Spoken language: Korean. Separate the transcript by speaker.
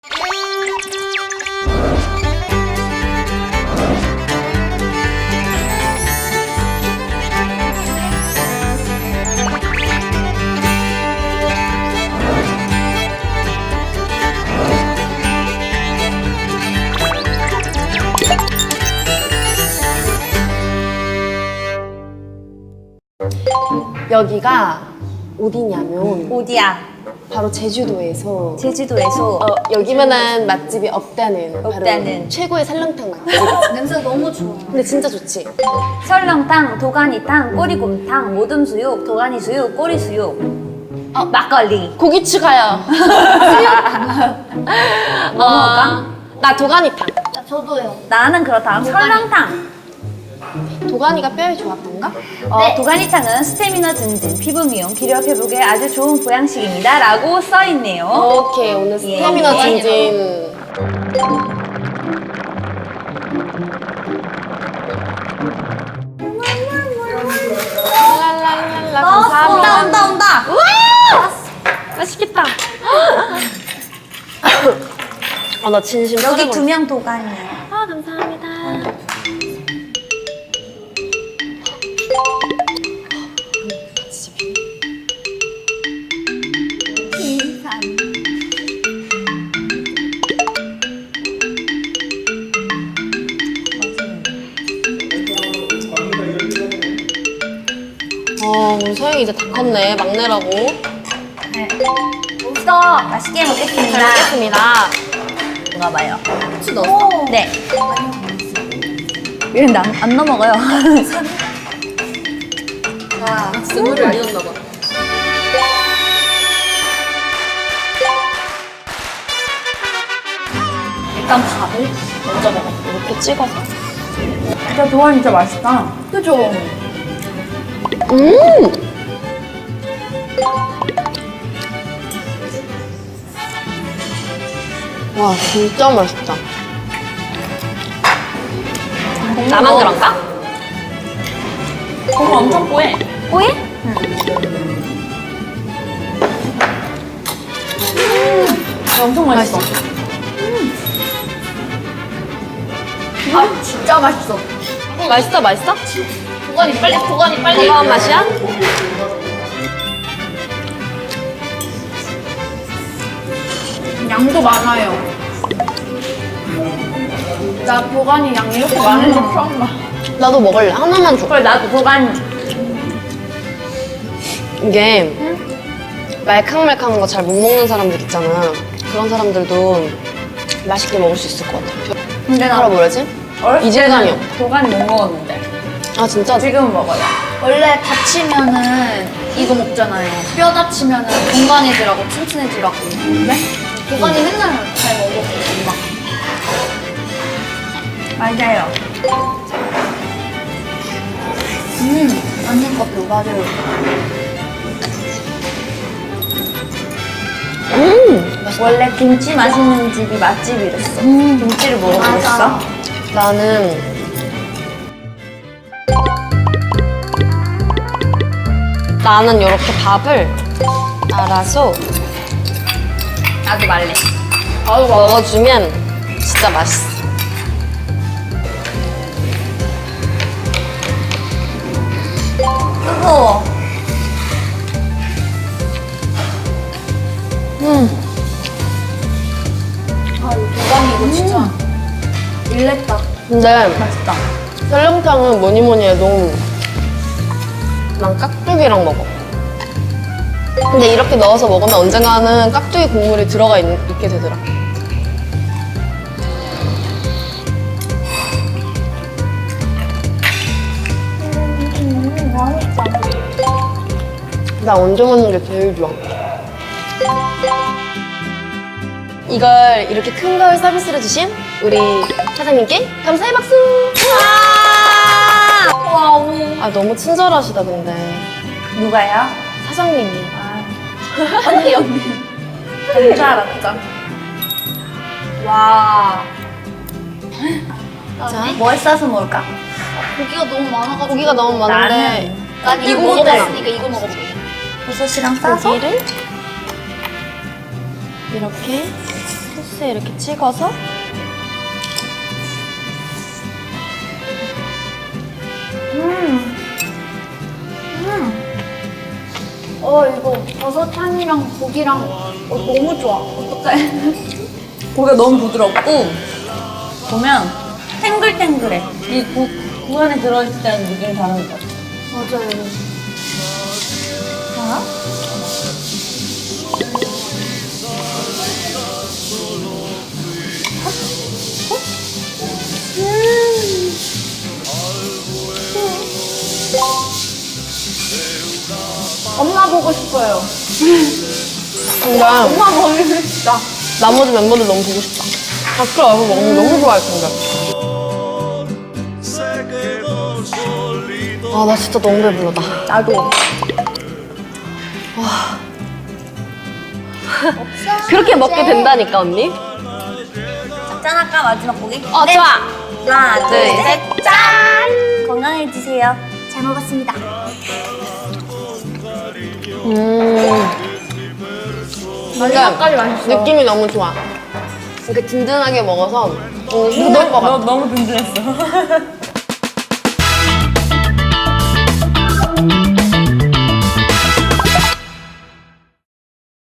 Speaker 1: 여기가 어디냐면
Speaker 2: 어디야?
Speaker 1: 바로 제주도에서
Speaker 2: 여기만한
Speaker 1: 맛집이 없다는 바로
Speaker 2: 없다는.
Speaker 1: 최고의 설렁탕 맛집.
Speaker 3: 냄새 너무 좋아.
Speaker 1: 근데 진짜 좋지?
Speaker 2: 설렁탕, 도가니탕, 꼬리곰탕, 모듬수육, 도가니수육, 꼬리수육, 막걸리.
Speaker 1: 고기 추가요.
Speaker 2: 뭐 먹을까?
Speaker 1: 나 도가니탕.
Speaker 3: 저도요.
Speaker 2: 나는 그렇다. 설렁탕.
Speaker 1: 도가니가 뼈에 좋았던가?
Speaker 3: 네.
Speaker 2: 도가니탕은 스태미너 증진, 피부 미용, 기력 회복에 아주 좋은 보양식입니다. 라고 써있네요.
Speaker 1: 오케이, 오늘 스태미너
Speaker 2: 예.
Speaker 1: 증진. 랄랄랄라, 감사합니다.
Speaker 2: 온다.
Speaker 1: 맛있겠다. 나 진심
Speaker 2: 여기
Speaker 1: 촬영을
Speaker 2: 2명 도가니예요.
Speaker 1: 감사합니다. 우리 서영이 이제 다 컸네, 막내라고.
Speaker 2: 네. 없어. 맛있게 먹겠습니다.
Speaker 1: 잘 먹겠습니다.
Speaker 2: 먹어봐요.
Speaker 3: 후추 넣었어?
Speaker 2: 네. 얘는 안 넘어가요.
Speaker 3: 아, 스물을 아니었나 봐.
Speaker 1: 일단 밥을 먼저 먹어. 이렇게 찍어서.
Speaker 2: 진짜 도가니 진짜 맛있다.
Speaker 3: 그죠?
Speaker 1: 와, 진짜 맛있다. 나만 그런가?
Speaker 2: 고기 엄청 뽀해. 뽀해? 엄청 맛있어.
Speaker 3: 아, 진짜 맛있어.
Speaker 1: 맛있어, 맛있어?
Speaker 3: 도가니 빨리, 도가니 빨리.
Speaker 1: 건강한 맛이야?
Speaker 3: 양도 많아요. 나 도가니 양 이렇게 많은 거 처음 봐.
Speaker 1: 나도 먹을래. 하나만 줘.
Speaker 2: 그래 나도 도가니.
Speaker 1: 이게 말캉말캉한 거 잘 못 먹는 사람들 있잖아. 그런 사람들도 맛있게 먹을 수 있을 것 같아.
Speaker 2: 근데
Speaker 1: 뭐라 뭐라지?
Speaker 2: 어렸을
Speaker 1: 이질감이
Speaker 2: 때는 도가니 못 먹었는데
Speaker 1: 아, 진짜?
Speaker 2: 지금 먹어요.
Speaker 3: 원래 다치면은 이거 먹잖아요. 뼈 다치면은 건강해지라고, 튼튼해지라고. 네? 도가니 맨날 잘 먹어, 엄마.
Speaker 2: 맞아요.
Speaker 3: 언니 것도 맞아요.
Speaker 2: 원래 김치 맛있는 집이 맛집이랬어. 김치를 먹어보겠어?
Speaker 1: 나는 이렇게 밥을 알아서
Speaker 2: 나도 말래.
Speaker 1: 먹어주면 진짜 맛있어.
Speaker 2: 뜨거워.
Speaker 3: 아, 이 도가니 이거 진짜 일냈다.
Speaker 1: 근데
Speaker 2: 맛있다.
Speaker 1: 설렁탕은 뭐니 뭐니 해도 난 깍두기랑 먹어. 근데 이렇게 넣어서 먹으면 언젠가는 깍두기 국물이 들어가 있게 되더라. 나 얹어 먹는 게 제일 좋아. 이걸 이렇게 큰 걸 서비스로 주신 우리 사장님께 감사의 박수!
Speaker 2: 와우.
Speaker 1: 아, 너무 친절하시다, 근데.
Speaker 2: 누가요?
Speaker 1: 사장님이.
Speaker 3: 언니.
Speaker 2: 그런 줄 알았죠. 와.
Speaker 1: 자,
Speaker 2: 뭘 싸서 먹을까?
Speaker 3: 고기가 너무 많아가지고.
Speaker 1: 고기가 너무 많은데.
Speaker 3: 난 이거
Speaker 1: 이거
Speaker 3: 먹어봤으니까 이거 먹어볼게.
Speaker 2: 버섯이랑 싸서?
Speaker 1: 고기를 이렇게 소스
Speaker 2: 소스에 이렇게 찍어서
Speaker 3: 이거 버섯 향이랑 고기랑 너무 좋아. 어떡해.
Speaker 2: 고기가 너무 부드럽고 보면 탱글탱글해. 이 국 안에 들어있을 때는 느낌이 다른 것 같아.
Speaker 3: 맞아요.
Speaker 2: 하나?
Speaker 3: 엄마 보고 싶어요.
Speaker 1: 근데
Speaker 3: 엄마 보고 싶다.
Speaker 1: 나머지 멤버들 너무 보고 싶다. 다크 와서 먹으면 너무 좋아할 텐데. 아, 나 진짜 너무 배불러다.
Speaker 3: 나도.
Speaker 1: 그렇게 먹게 된다니까, 언니?
Speaker 2: 짠할까? 마지막 고기?
Speaker 1: 좋아.
Speaker 2: 하나, 둘,
Speaker 1: 네.
Speaker 2: 셋, 짠! 건강해지세요.
Speaker 3: 잘 먹었습니다. 마지막까지 맛있어.
Speaker 1: 느낌이 너무 좋아. 이렇게 든든하게 먹어서 너무 신날 것 같아.
Speaker 2: 너무 든든했어.